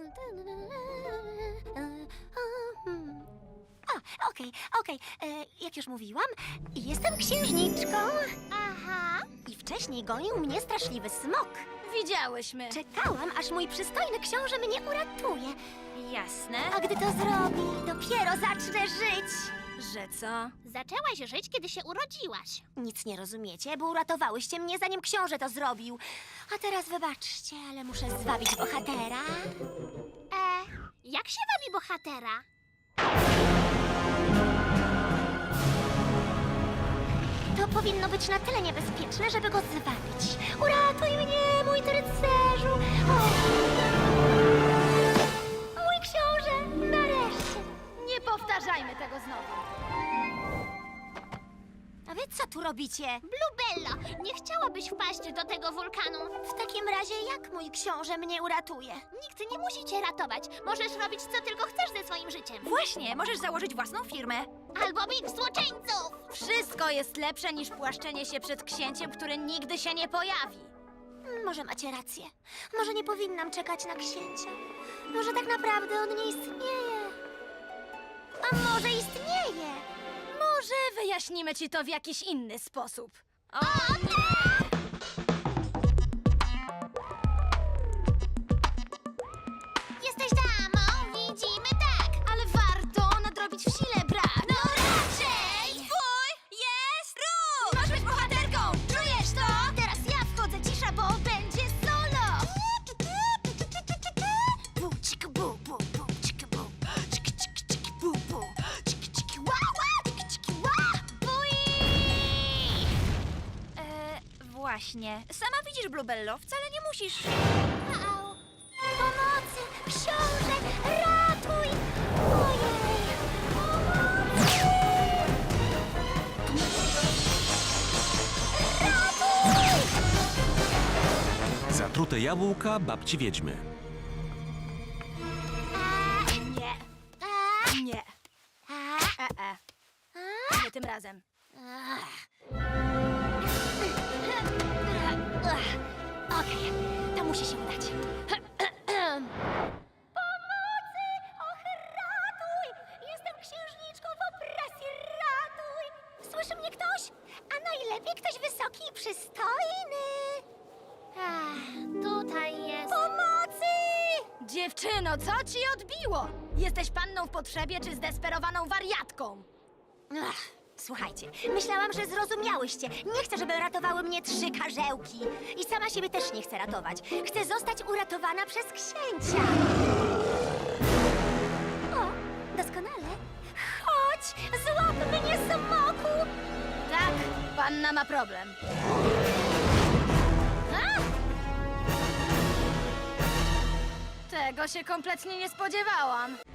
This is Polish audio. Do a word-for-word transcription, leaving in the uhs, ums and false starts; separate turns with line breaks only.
A, okej, okej. E, Jak już mówiłam, jestem księżniczką.
Aha.
I wcześniej gonił mnie straszliwy smok.
Widziałyśmy.
Czekałam, aż mój przystojny książę mnie uratuje.
Jasne.
A gdy to zrobi, dopiero zacznę żyć.
Że co?
Zaczęłaś żyć, kiedy się urodziłaś.
Nic nie rozumiecie, bo uratowałyście mnie, zanim książę to zrobił. A teraz wybaczcie, ale muszę zwabić bohatera.
E, jak się wabi bohatera?
To powinno być na tyle niebezpieczne, żeby go zwabić. Uratuj mnie, mój ty rycerzu! O! Mój książę, nareszcie!
Nie powtarzajmy tego znowu.
A wy co tu robicie?
Bluebello, nie chciałabyś wpaść do tego wulkanu?
W takim razie jak mój książę mnie uratuje?
Nikt nie musi cię ratować. Możesz robić, co tylko chcesz ze swoim życiem.
Właśnie, możesz założyć własną firmę.
Albo bić złoczyńców!
Wszystko jest lepsze niż płaszczenie się przed księciem, który nigdy się nie pojawi.
Może macie rację. Może nie powinnam czekać na księcia. Może tak naprawdę on nie istnieje. A może istnieje?
Może wyjaśnimy ci to w jakiś inny sposób. O,
Jesteś damą, widzimy tak!
ale warto nadrobić w sile brak.
No raczej!
Twój jest ruch! Masz być bohaterką! Czujesz to?
Teraz ja wchodzę, cisza, bo będzie solo!
Bu, cik, bu, bu, bu, cik, bu. Cik, cik, cik, bu, bu. Cik, cik, ła, ła, cik, cik, ła.
Bui!
E, właśnie. Sama widzisz, Bluebello, wcale nie musisz.
Au!
Pomocy! Książę! Ratuj! Ojej! Pomocy! Ratuj!
Zatrute jabłka babci wiedźmy.
Nie,
A,
nie.
a,
E, e.
a.
Nie tym razem.
Okej, to musi się udać. Pomocy! Och, ratuj! Jestem księżniczką w opresji, ratuj! Słyszy mnie ktoś? A najlepiej ktoś wysoki i przystojny.
Ach, tutaj jest.
Pomocy!
Dziewczyno, co ci odbiło? Jesteś panną w potrzebie czy zdesperowaną wariatką?
Ach, słuchajcie, myślałam, że zrozumiałyście. Nie chcę, żeby ratowały mnie trzy karzełki. I sama siebie też nie chcę ratować. Chcę zostać uratowana przez księcia. O, doskonale. Chodź, złap mnie, smoku!
Tak, panna ma problem.
A!
Tego się kompletnie nie spodziewałam.